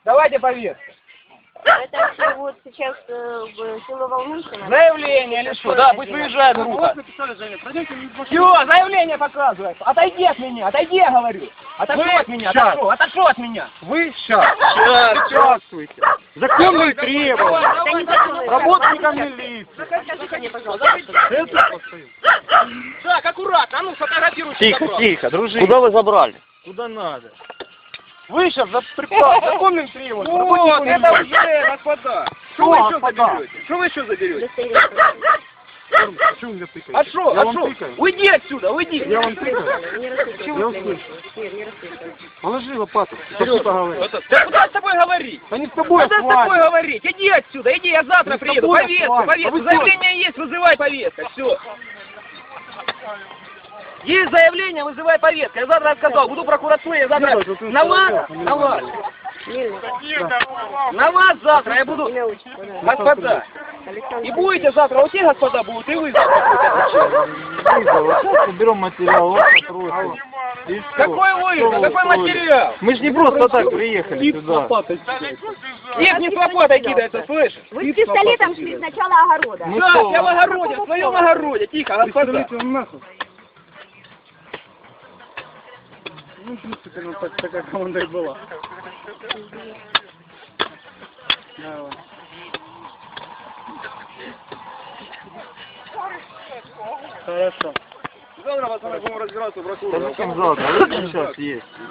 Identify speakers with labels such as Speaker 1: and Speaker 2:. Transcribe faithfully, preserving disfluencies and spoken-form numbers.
Speaker 1: Давайте повестку.
Speaker 2: Это все вот сейчас э, в село Волнушино.
Speaker 1: Заявление или что? Да, пусть выезжает группа. Все, заявление показывает. Отойди от меня, отойди, я говорю. Отошел от меня, отошел, отошел от меня.
Speaker 3: Вы сейчас, сейчас участвуете. Законные требования. Работникам милиции.
Speaker 2: Скажите мне, пожалуйста.
Speaker 1: Так, аккуратно, а ну сфотографируйте.
Speaker 3: Тихо, тихо, дружище.
Speaker 4: Куда вы забрали?
Speaker 3: Куда надо? Вы сейчас за припад, законным требованиям.
Speaker 1: Вот, это уже, господа. Что вы еще
Speaker 3: господа?
Speaker 1: заберете? Что вы еще заберете?
Speaker 3: Что вы меня тыкаете?
Speaker 1: А что,
Speaker 3: Я
Speaker 1: а
Speaker 3: вам
Speaker 1: что?
Speaker 3: тыкаю.
Speaker 1: Уйди отсюда, уйди.
Speaker 3: Я вам тыкаю.
Speaker 2: Не расслышал.
Speaker 3: Я услышу.
Speaker 2: Нет, не расслышал.
Speaker 3: Положи лопату. Что ты говоришь?
Speaker 1: Да куда с тобой говорить?
Speaker 3: Да не с тобой, а
Speaker 1: Куда
Speaker 3: с
Speaker 1: с тобой
Speaker 3: вами.
Speaker 1: говорить? Иди отсюда, иди, я завтра
Speaker 3: Не с
Speaker 1: приеду.
Speaker 3: тобой, а с
Speaker 1: Повестку,
Speaker 3: вами. А
Speaker 1: повестку.
Speaker 3: вы кто?
Speaker 1: Заявление есть, вызывай повестка. Все. Есть заявление, вызывай повестку. Я завтра сказал, буду в прокуратуре, я завтра
Speaker 3: Нет, это
Speaker 1: на вас,
Speaker 3: это
Speaker 1: на вас,
Speaker 2: Мирно.
Speaker 1: на вас завтра я буду,
Speaker 2: Имя, отчество, да.
Speaker 1: господа.
Speaker 2: Александр.
Speaker 1: И будете завтра, вот те господа будут, и вы завтра будете.
Speaker 3: Вызов. Сейчас уберем материал, вас попросим. И всё.
Speaker 1: Какой вызов?
Speaker 3: Что вы
Speaker 1: Какой
Speaker 3: устроили?
Speaker 1: материал?
Speaker 3: Мы же не просто так приехали сюда.
Speaker 1: Их не с лопатой кидается, слышишь?
Speaker 2: Вы с пистолетом шли с начала огорода.
Speaker 3: Мы
Speaker 1: Да,
Speaker 3: что,
Speaker 1: я в огороде, в своем огороде, тихо, господа.
Speaker 3: Ну, в принципе, ну, так, такая команда и была. Давай. Хорошо.
Speaker 1: Завтра, пацаны, будем разбираться в
Speaker 3: Да
Speaker 1: прокуратуре.
Speaker 3: зачем завтра? Вот сейчас есть.